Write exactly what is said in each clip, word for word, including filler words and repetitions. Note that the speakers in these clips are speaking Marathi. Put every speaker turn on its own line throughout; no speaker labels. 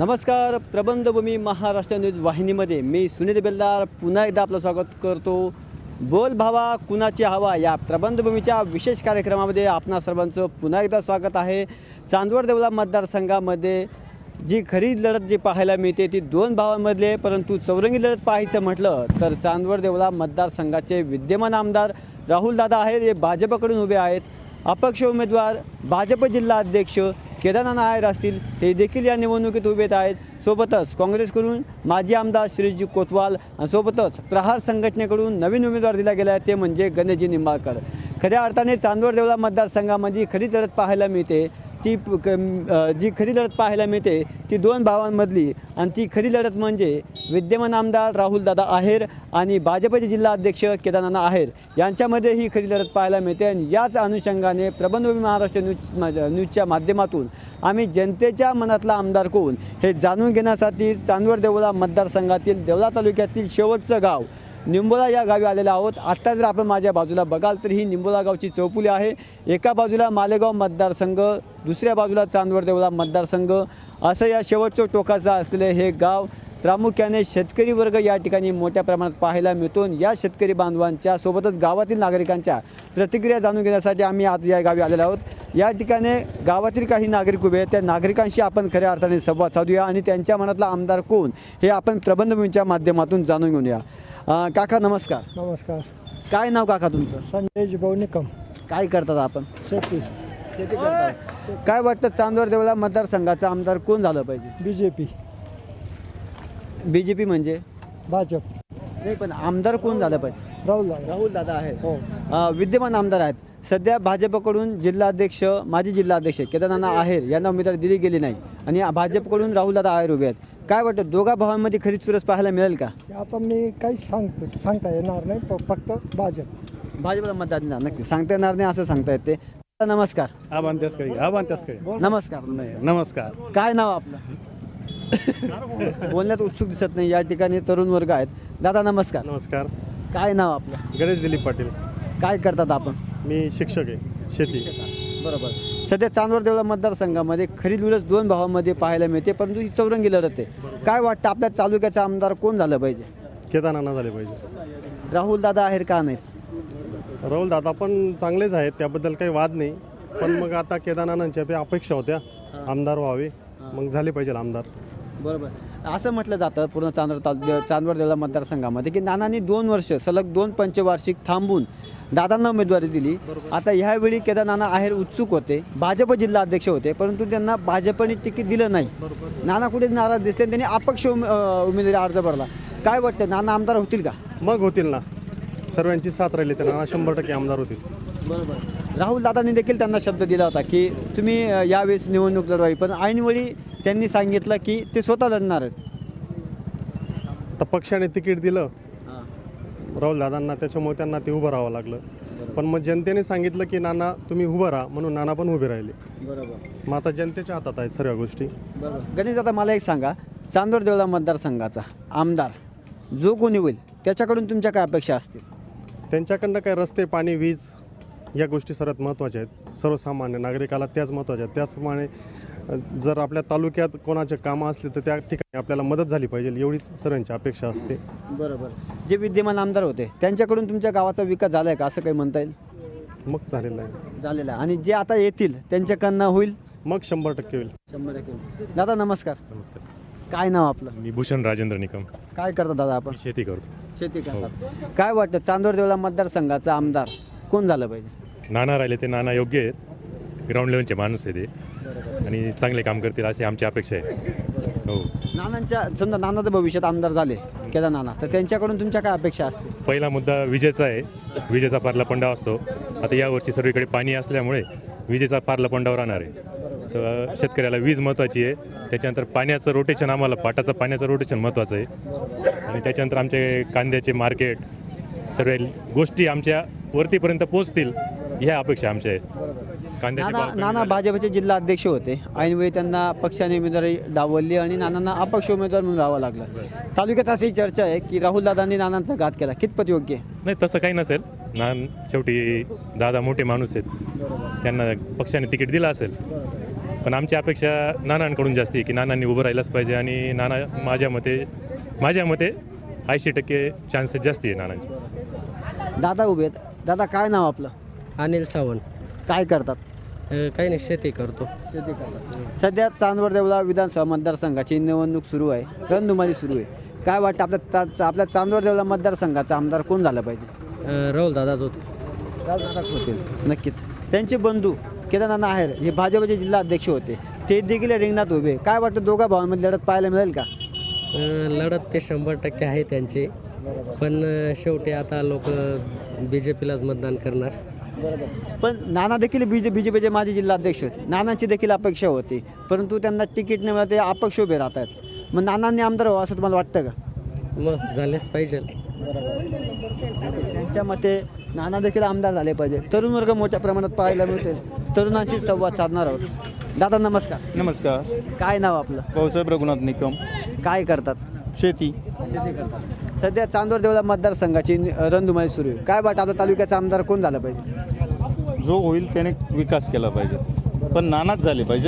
नमस्कार. प्रबंधभूमी महाराष्ट्र न्यूज वाहिनीमध्ये मी सुनील बेल्दार पुन्हा एकदा आपलं स्वागत करतो. बोल भावा कुणाची हवा या प्रबंधभूमीच्या विशेष कार्यक्रमामध्ये आपणा सर्वांचं पुन्हा एकदा स्वागत आहे. चांदवड देवळा मतदारसंघामध्ये जी खरी लढत जी पाहायला मिळते ती दोन भावांमधले, परंतु चौरंगी लढत पाहायचं म्हटलं तर चांदवड देवळा मतदारसंघाचे विद्यमान आमदार राहुलदादा आहेर हे भाजपकडून उभे आहेत. अपक्ष उमेदवार भाजप जिल्हा अध्यक्ष केदारनाथ आहेर असतील, ते देखील या निवडणुकीत उभे आहेत. सोबतच काँग्रेसकडून माजी आमदार श्रीजी कोतवाल आणि सोबतच प्रहार संघटनेकडून नवीन उमेदवार दिला गेला आहे ते म्हणजे गणेशजी निंबाळकर. खऱ्या अर्थाने चांदवड देवळा मतदारसंघामध्ये खरी लढत पाहायला मिळते ती जी खरी लढत पाहायला मिळते ती दोन भावांमधली, आणि ती खरी लढत म्हणजे विद्यमान आमदार राहुलदादा आहेर आणि भाजपचे जिल्हा अध्यक्ष केदारनाथ आहेर यांच्यामध्ये ही खरी लढत पाहायला मिळते. आणि याच अनुषंगाने प्रबंधभूमी महाराष्ट्र न्यूज न्यूजच्या माध्यमातून आम्ही जनतेच्या मनातला आमदार कोण हे जाणून घेण्यासाठी चांदवड देवळा मतदारसंघातील देवळा तालुक्यातील शेवटचं गाव निंबोला या गावी आलेलो आहोत. आत्ता जर आपण माझ्या बाजूला बघाल तर ही निंबोला गावची चौफुली आहे. एका बाजूला मालेगाव मतदारसंघ, दुसऱ्या बाजूला चांदवड देवळा मतदारसंघ, असं या शेवटचं टोकाचं असलेले हे गाव प्रामुख्याने शेतकरी वर्ग या ठिकाणी मोठ्या प्रमाणात पाहायला मिळतो. या शेतकरी बांधवांच्या सोबतच गावातील नागरिकांच्या प्रतिक्रिया जाणून घेण्यासाठी आम्ही आज या गावी आलेलो आहोत. या ठिकाणी गावातील काही नागरिक उभे आहेत, त्या नागरिकांशी आपण खऱ्या अर्थाने संवाद साधूया आणि त्यांच्या मनातला आमदार कोण हे आपण प्रबंधभूमीच्या माध्यमातून जाणून घेऊया. काका नमस्कार.
नमस्कार.
काय नाव काका तुमचं?
संजय जिभाऊ निकम.
काय करतात आपण?
शेती.
शेती करतात. काय वाटतं चांदवड देवळा मतदारसंघाचा आमदार कोण झालं पाहिजे?
B J P.
B J P म्हणजे
भाजप.
नाही, पण आमदार कोण झालं पाहिजे?
राहुल
राहुल दादा आहे.
हो.
विद्यमान आमदार आहेत. सध्या भाजपकडून जिल्हाध्यक्ष माजी जिल्हाध्यक्ष केदारनाथ आहेर यांना उमेदवारी दिली गेली नाही आणि भाजपकडून राहुलदादा आहेर उभे आहेत. काय वाटतं दोघा भावांमध्ये खरी चुरस पाहायला मिळेल का?
आता मी काहीच सांगतो सांगता येणार नाही, प- फक्त भाजप.
भाजपला मतदान देणार नक्की, सांगता येणार नाही असं सांगता येते. नमस्कार.
आबान त्यासकडे आबान त्यासकडे
नमस्कार.
नमस्कार.
काय नाव आपलं? बोलण्यात उत्सुक दिसत नाही. या ठिकाणी तरुण वर्ग आहेत. दादा नमस्कार.
नमस्कार.
काय नाव आपलं?
गणेश दिलीप पाटील.
काय करतात आपण?
मी शिक्षक आहे, शेती.
बरोबर. सध्या चांदवड देवळा मतदारसंघामध्ये खरी लढत दोन भावांमध्ये पाहायला मिळते, परंतु ही चौरंगी लढत आहे. काय वाटतं आपल्या तालुक्याचा आमदार कोण झालं पाहिजे?
केदारनाथ झाले पाहिजे.
राहुल दादा आहेर का नाहीत?
राहुल दादा पण चांगलेच आहेत, त्याबद्दल काही वाद नाही. पण मग आता केदारनाथांच्या बी अपेक्षा होत्या आमदार व्हावे, मग झाले पाहिजे आमदार.
बरोबर. असं म्हटलं जातं पूर्ण चांदवड तालु चांदवड देवळा मतदारसंघामध्ये की नानांनी दोन वर्ष सलग दोन पंचवार्षिक थांबून दादांना उमेदवारी दिली. आता ह्यावेळी केदारनाथ आहेर उत्सुक होते, भाजप जिल्हा अध्यक्ष होते, परंतु त्यांना भाजपने तिकीट दिलं नाही. नाना कुठे नाराज दिसले, त्यांनी अपक्ष उमेदवारी अर्ज भरला. काय वाटतं नाना आमदार होतील का?
मग होतील ना, सर्वांची साथ राहिली तर नाना शंभर टक्के आमदार होतील.
बरोबर. राहुल दादांनी देखील त्यांना शब्द दिला होता की तुम्ही यावेळेस निवडणूक लढवावी, पण ऐनवेळी त्यांनी सांगितलं की ते स्वतः लढणार आहेत.
तर पक्षाने तिकीट दिलं राहुल दादांना, त्याच्यामुळे त्यांना ते उभं राहावं लागलं. पण मग जनतेने सांगितलं की नाना तुम्ही उभं राहा, म्हणून नाना पण उभे राहिले.
बरोबर.
मग आता जनतेच्या हातात आहेत सर्व गोष्टी.
बरोबर. गणेश दादा मला एक सांगा, चांदवड देवळा मतदारसंघाचा आमदार जो कोणी होईल त्याच्याकडून तुमच्या काय अपेक्षा असतील?
त्यांच्याकडनं काय रस्ते, पाणी, वीज या गोष्टी सर्वात महत्त्वाच्या आहेत. सर्वसामान्य नागरिकाला त्याच महत्त्वाच्या आहेत. त्याचप्रमाणे जर आपल्या तालुक्यात कोणाचे कामं असले तर त्या ठिकाणी आपल्याला मदत झाली पाहिजे, एवढीच सर्वांची अपेक्षा असते.
बरोबर. जे विद्यमान आमदार होते त्यांच्याकडून तुमच्या गावाचा विकास झाला आहे का असं काही म्हणता येईल?
मग झालेलं आहे.
झालेला आहे. आणि जे आता येतील त्यांच्याकडनं होईल?
मग शंभर टक्के होईल.
शंभर टक्के. दादा नमस्कार.
नमस्कार.
काय नाव आपलं?
मी भूषण राजेंद्र निकम.
काय करता दादा आपण?
शेती करतो.
शेती करतात. काय वाटतं चांदवड देवळा मतदारसंघाचा आमदार कोण झालं पाहिजे?
नाना राहिले ते नाना योग्य आहेत, ग्राउंड लेवलचे माणूस आहे ते आणि चांगले काम करतील अशी आमची अपेक्षा आहे. हो.
नानांच्या समजा नाना तर भविष्यात आमदार झाले केदार नाना, तर त्यांच्याकडून तुमच्या काय अपेक्षा असते?
पहिला मुद्दा विजेचा आहे. विजेचा पारला पंडा असतो. आता यावरची सर्वीकडे पाणी असल्यामुळे विजेचा पारला पंडावर राहणार आहे. तर शेतकऱ्याला वीज महत्त्वाची आहे. त्याच्यानंतर पाण्याचं रोटेशन, आम्हाला पाटाचं पाण्याचं रोटेशन महत्त्वाचं आहे. आणि त्याच्यानंतर आमचे कांद्याचे मार्केट, सर्व गोष्टी आमच्या वरतीपर्यंत पोहोचतील ह्या अपेक्षा आमच्या आहेत. कांद्याचे
नाना
भाव कमी
नाना
झाले.
भाजपचे जिल्हा अध्यक्ष होते, ऐनवेळी त्यांना पक्षाने उमेदवारी डावलली आणि नानांना अपक्ष उमेदवार म्हणून राहावं लागलं. तालुक्यात अशी चर्चा आहे की राहुल दादांनी नानांचा घात केला, कितपत योग्य आहे?
नाही, तसं काही नसेल. नान शेवटी दादा मोठे माणूस आहेत, त्यांना पक्षाने तिकीट दिलं असेल. पण आमची अपेक्षा नानांकडून जास्त आहे की नानांनी उभं राहिलंच पाहिजे आणि नाना माझ्या मते माझ्या मते ऐंशी टक्के चान्सेस जास्त आहे नानांचे.
दादा उभे आहेत. दादा काय नाव आपलं?
अनिल सावंत.
काय करतात?
अ, काही नाही, शेती करतो.
शेती करतात. सध्या चांदवड देवळा विधानसभा मतदारसंघाची निवडणूक सुरू आहे, रणधुमाळी सुरू आहे. काय वाटतं आपल्या ता आपल्या चांदवड देवळा मतदारसंघाचा आमदार कोण झाला पाहिजे?
अ, राहुल दादाच होते.
राजदादाच होतील नक्कीच. त्यांचे बंधू केदारनाथ आहेर हे भाजपचे जिल्हा अध्यक्ष होते, ते देखील या रिंगणात उभे. काय वाटतं दोघा भावांमध्ये लढत पाहायला मिळेल का?
अ, लढत ते शंभर टक्के आहे त्यांची, पण अ, शेवटी आता लोक बी जे पीलाच मतदान करणार.
पण नाना देखील बी जे बी जे पीचे माजी जिल्हा अध्यक्ष होते, नानांची देखील अपेक्षा होती, परंतु त्यांना तिकीट न मिळालं ते अपक्ष उभे राहत आहेत. मग नानांनी आमदार व्हावं असं तुम्हाला वाटतं का?
मग झालेच पाहिजे.
त्यांच्या मते नाना देखील आमदार झाले पाहिजे. तरुण वर्ग मोठ्या प्रमाणात पाहायला मिळते. तरुणांशी संवाद साधणार आहोत. दादा नमस्कार.
नमस्कार.
काय नाव आपलं?
भाऊसाहेब रघुनाथ निकम.
काय करतात?
शेती.
शेती करतात. सध्या चांदवड देवळा मतदारसंघाची रणधुमाळी सुरू आहे. काय वाटतं आपल्या तालुक्याचा आमदार कोण झाला पाहिजे?
जो होईल त्याने विकास केला पाहिजे, पण नानाच झाले पाहिजे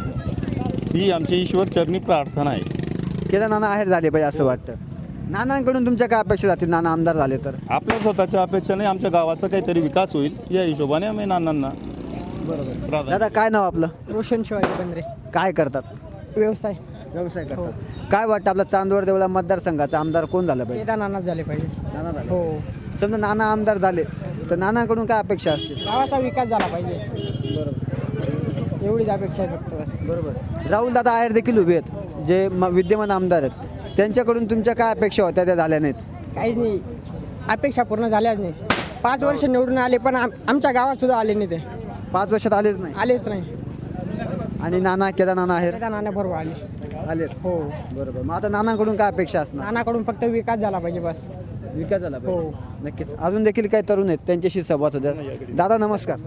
ही आमची ईश्वर चरणी प्रार्थना आहे.
केदार नाना आहेर झाले पाहिजे असं वाटतं. नानांकडून तुमच्या काय अपेक्षा जातील नाना आमदार झाले तर?
आपल्या स्वतःच्या अपेक्षाने आमच्या गावाचा काहीतरी विकास होईल या हिशोबाने आम्ही नानांना प्राधान्य.
दादा काय नाव आपलं?
रोशन शिवाजी बंद्रे.
काय करतात?
व्यवसाय.
व्यवसाय करतात. काय वाटतं आपला चांदवड देवळा मतदारसंघाचा आमदार कोण झाला पाहिजे?
केदारनाथ झाले पाहिजे.
नाना झाले.
हो.
समजा नाना आमदार झाले तर नानाकडून काय अपेक्षा असतील?
गावाचा विकास झाला पाहिजे. एवढीच अपेक्षा आहे फक्त बस.
बरोबर. राहुल दादा आहेर देखील उभे आहेत, जे म- विद्यमान आमदार आहेत. त्यांच्याकडून तुमच्या काय अपेक्षा होत्या त्या झाल्या नाहीत?
काहीच नाही, अपेक्षा पूर्ण झाल्याच नाही. पाच वर्ष निवडून आले पण आम- आमच्या गावात सुद्धा आले नाही, ते
पाच वर्षात आलेच नाही.
आलेच नाही.
आणि नाना केदार नाना आहेर
केदारनाथ बरोबर आले.
आले.
हो.
बरोबर. मग आता नानाकडून काय अपेक्षा असणार?
नानाकडून फक्त विकास झाला पाहिजे बस.
विकास झाला
हो.
पाहिजे. नक्कीच. अजून देखील काही तरुण आहेत, त्यांच्याशी संवाद होत्या. दादा नमस्कार.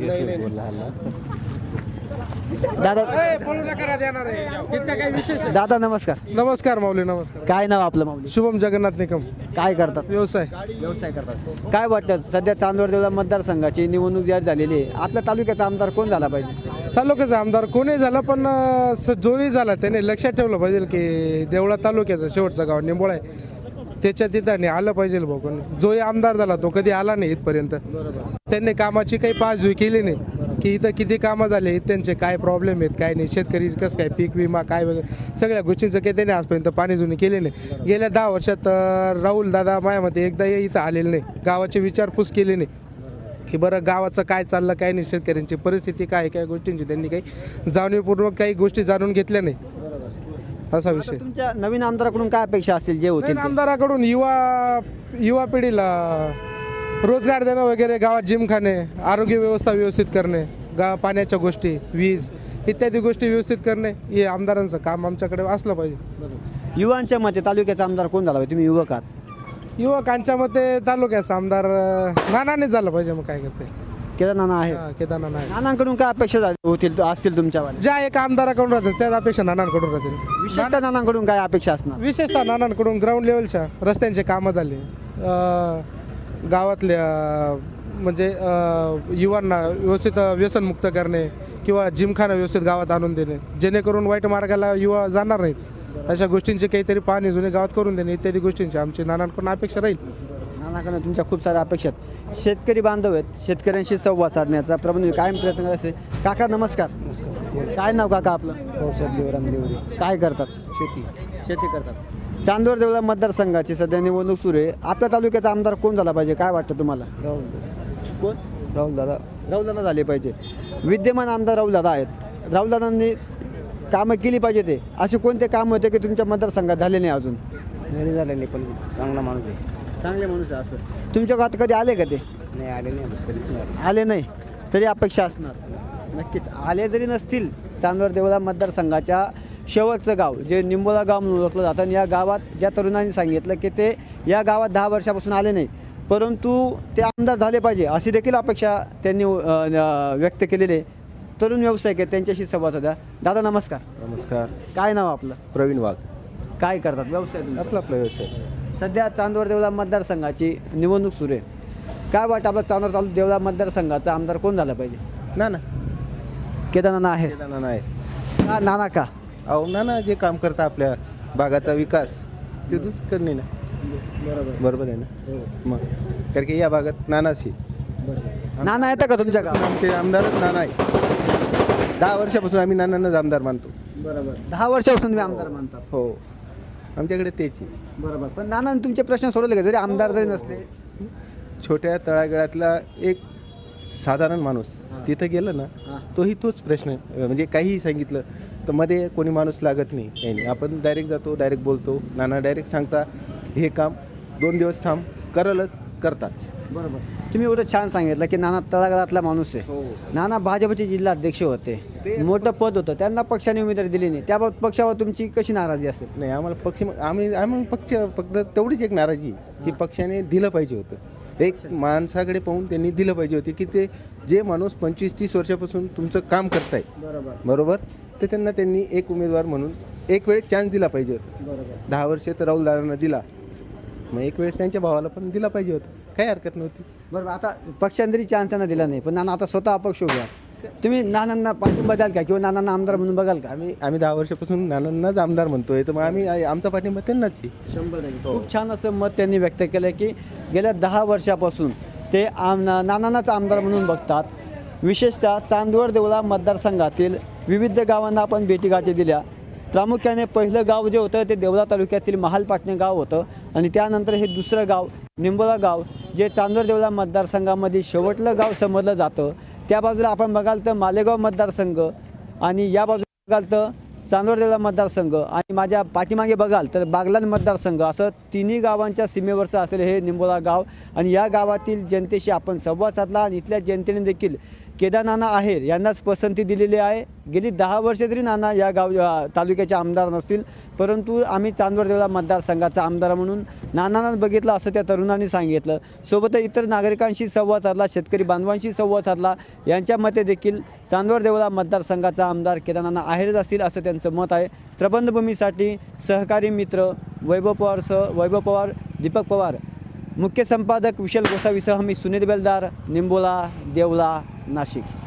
दादा दादा नमस्कार.
नमस्कार माऊली. नमस्कार.
काय नाव आपलं माऊली?
शुभम जगन्नाथ निकम.
काय करतात?
व्यवसाय.
व्यवसाय करतात. काय वाटतं सध्या चांदवड देवळा मतदारसंघाची निवडणूक जाहीर झालेली आहे, आपल्या तालुक्याचा आमदार कोण झाला पाहिजे?
तालुक्याचा आमदार कोणी झाला, पण अ, स- जोही झाला त्याने लक्षात ठेवलं पाहिजे की देवळा तालुक्याचं शेवटचं गाव निंबोळा आहे, त्याच्या तिथं आलं पाहिजे भाऊ. कोणी जोही आमदार झाला तो कधी आला नाही इथपर्यंत. त्यांनी कामाची काही पाचवी केली नाही की इथं किती कामं झाले, त्यांचे काय प्रॉब्लेम आहेत काय नाही, शेतकरी कसं काय पीक विमा काय वगैरे सगळ्या गोष्टींचं काही त्यांनी आजपर्यंत पाणी जुनी केले नाही. गेल्या दहा वर्षात अ, राहुल दादा माझ्यामध्ये एकदा इथं आलेले नाही, गावाची विचारपूस केली नाही की बरं गावाचं काय चाललं काय नाही, शेतकऱ्यांची परिस्थिती काय आहे, काय गोष्टींची त्यांनी काही जाणीवपूर्वक काही गोष्टी जाणून घेतल्या नाही, असा विषय.
तुमच्या नवीन आमदाराकडून काय अपेक्षा असतील जे होतील
नवीन आमदाराकडून युवा युवा पिढीला रोजगार देणं वगैरे, गावात जिमखाने, आरोग्य व्यवस्था व्यवस्थित करणे, गा पाण्याच्या गोष्टी, वीज इत्यादी गोष्टी व्यवस्थित करणे हे आमदारांचं काम आमच्याकडे असलं पाहिजे.
ते? युवांच्या मते तालुक्याचा आमदार कोण झाला पाहिजे? तुम्ही युवक आहात.
युवकांच्या मते तालुक्याचा आमदार अं, नानानेच झालं पाहिजे. मग काय करते
केदार नाना आहे.
केदारनाथ नाही.
नानांकडून काय अपेक्षा झाली- होतील असतील तुमच्यावाल्या?
ज्या एका आमदाराकडून राहतात त्याच अपेक्षा नानांकडून राहतील.
विशेषतः नानांकडून काय अपेक्षा असणार?
विशेषतः नानांकडून ग्राउंड लेवलच्या रस्त्यांचे कामं झाले, अं, गावातल्या म्हणजे अं, युवांना व्यवस्थित व्यसनमुक्त करणे किंवा जिमखाना व्यवस्थित गावात आणून देणे, जेणेकरून वाईट मार्गाला युवा जाणार नाहीत, अशा गोष्टींची काहीतरी पाहणी जुने गावात करून देणे इत्यादी गोष्टींची आमची नानांकडून अपेक्षा राहील.
नानाकडून तुमच्या खूप साऱ्या अपेक्षा आहेत. शेतकरी बांधव आहेत, शेतकऱ्यांशी संवाद साधण्याचा प्रबंध कायम प्रयत्न करत असते. काका नमस्कार. काय नाव काका आपलं?
देवराम देवरे.
काय करतात?
शेती.
शेती करतात. चांदवड देवळा मतदारसंघाची सध्या निवडणूक सुरू आहे, आपल्या तालुक्याचा आमदार कोण झाला पाहिजे काय वाटतं तुम्हाला? कोण?
राहुल दादा.
राहुल दादा झाले पाहिजे. विद्यमान आमदार राहुल दादा आहेत. राहुल दादांनी कामं केली पाहिजे. ते असे कोणते काम होते की तुमच्या मतदारसंघात झाले नाही अजून?
घरी झाले नाही, पण चांगला माणूस आहे.
चांगले माणूस आहे असं. तुमच्या गावात कधी आले का ते?
नाही आले नाही.
आले नाही तरी अपेक्षा असणार. नक्कीच. आले जरी नसतील, चांदवड देवळा मतदारसंघाच्या शेवटचं गाव जे निंबोला गाव म्हणून ओळखलं जातं, आणि या गावात ज्या तरुणांनी सांगितलं की ते या गावात दहा वर्षापासून आले नाही, परंतु ते आमदार झाले पाहिजे अशी देखील अपेक्षा त्यांनी अ, व्यक्त केलेली आहे. तरुण व्यावसायिक आहेत, त्यांच्याशी संवाद होता. दादा नमस्कार.
नमस्कार.
काय नाव आपलं?
प्रवीण वाघ.
काय करतात व्यवसाय तुमचा?
आपला आपला व्यवसाय.
सध्या चांदवड देवळा मतदारसंघाची निवडणूक सुरू आहे. काय वाटतं आपला चांदवड तालुका देवळा मतदारसंघाचा आमदार कोण झाला पाहिजे?
ना ना
केदारनाथ आहे.
नाही.
का नाना का
अहो ना ना जे काम करता आपल्या भागाचा विकास ते तूच करणे ना.
बरोबर
बरोबर आहे ना. मग कारण की या भागात नानाशी
नाना येतं का तुमच्या गावात?
आमचे आमदारच नाना आहे. दहा वर्षापासून आम्ही नानांनाच आमदार मानतो.
बरोबर दहा वर्षापासून तुम्ही आमदार मानतात.
हो आमच्याकडे तेच आहे.
बरोबर पण नाना तुमचे प्रश्न सोडवले का जरी आमदार जरी नसले?
छोट्या तळागाळातला एक साधारण माणूस तिथं गेलं ना तोही तोच प्रश्न म्हणजे काहीही सांगितलं तर मध्ये कोणी माणूस लागत नाही काही नाही. आपण डायरेक्ट जातो डायरेक्ट बोलतो. नाना डायरेक्ट सांगता हे काम दोन दिवस थांब करलच करताच.
बरोबर तुम्ही एवढं छान सांगितलं की नाना तळागाळातला माणूस आहे. नाना भाजपचे जिल्हा अध्यक्ष होते, मोठं पद होतं, त्यांना पक्षाने उमेदवारी दिली नाही. त्या पक्षावर तुमची कशी नाराजी असेल?
नाही आम्हाला पक्ष आम्ही आम्ही पक्ष फक्त तेवढीच एक नाराजी की पक्षाने दिलं पाहिजे होतं. एक माणसाकडे पाहून त्यांनी दिलं पाहिजे होते की ते जे माणूस पंचवीस तीस वर्षापासून तुमचं काम करताय
बरोबर
बरोबर तर त्यांना त्यांनी एक उमेदवार म्हणून एक वेळेस चान्स दिला पाहिजे होता.
बरोबर
दहा वर्ष तर राहुल दादांना दिला, मग एक वेळेस त्यांच्या भावाला पण दिला पाहिजे होता. काही हरकत नव्हती.
बरोबर आता पक्षाने जरी चान्स त्यांना दिला नाही पण नाना आता स्वतः अपक्ष उभे आहेत. तुम्ही नानांना पाठिंबा द्याल का किंवा नानांना आमदार म्हणून बघाल का?
आम्ही आम्ही दहा वर्षापासून नानांनाच आमदार म्हणतोय तर मग आम्ही आमचा पाठिंबा त्यांनाच आहे.
शंभर टक्के खूप छान असं मत त्यांनी व्यक्त केलं की गेल्या दहा वर्षापासून ते आम नानांनाच आमदार म्हणून बघतात. विशेषतः चांदवड देवळा मतदारसंघातील विविध गावांना आपण भेटीगाठी दिल्या. प्रामुख्याने पहिलं गाव जे होतं ते देवळा तालुक्यातील महालपाटणे गाव होतं आणि त्यानंतर हे दुसरं गाव निंबोला गाव जे चांदवड देवळा मतदारसंघामध्ये शेवटलं गाव समजलं जातं. त्या बाजूला आपण बघाल तर मालेगाव मतदारसंघ आणि या बाजूला बघाल तर चांदवड देवळा मतदारसंघ आणि माझ्या पाठीमागे बघाल तर बागलाण मतदारसंघ असं तिन्ही गावांच्या सीमेवरचं असलेलं हे निंबोला गाव आणि या गावातील जनतेशी आपण संवाद साधला आणि इथल्या जनतेने देखील केदार नाना आहेर यांनाच पसंती दिलेली आहे. गेली दहा वर्ष तरी नाना या गाव तालुक्याचे आमदार नसतील परंतु आम्ही चांदवड देवळा मतदारसंघाचा आमदार म्हणून नानांनाच बघितलं असं त्या तरुणांनी सांगितलं. सोबतच इतर नागरिकांशी संवाद साधला, शेतकरी बांधवांशी संवाद साधला. यांच्या मते देखील चांदवड देवळा मतदारसंघाचा आमदार केदार नाना आहेरच असतील असं त्यांचं मत आहे. प्रबंधभूमीसाठी सहकारी मित्र वैभव पवारसह वैभव पवार, दीपक पवार, मुख्य संपादक विशाल गोसावीसह मी सुनील बेलदार, निंबोला, देवळा, नाशिक.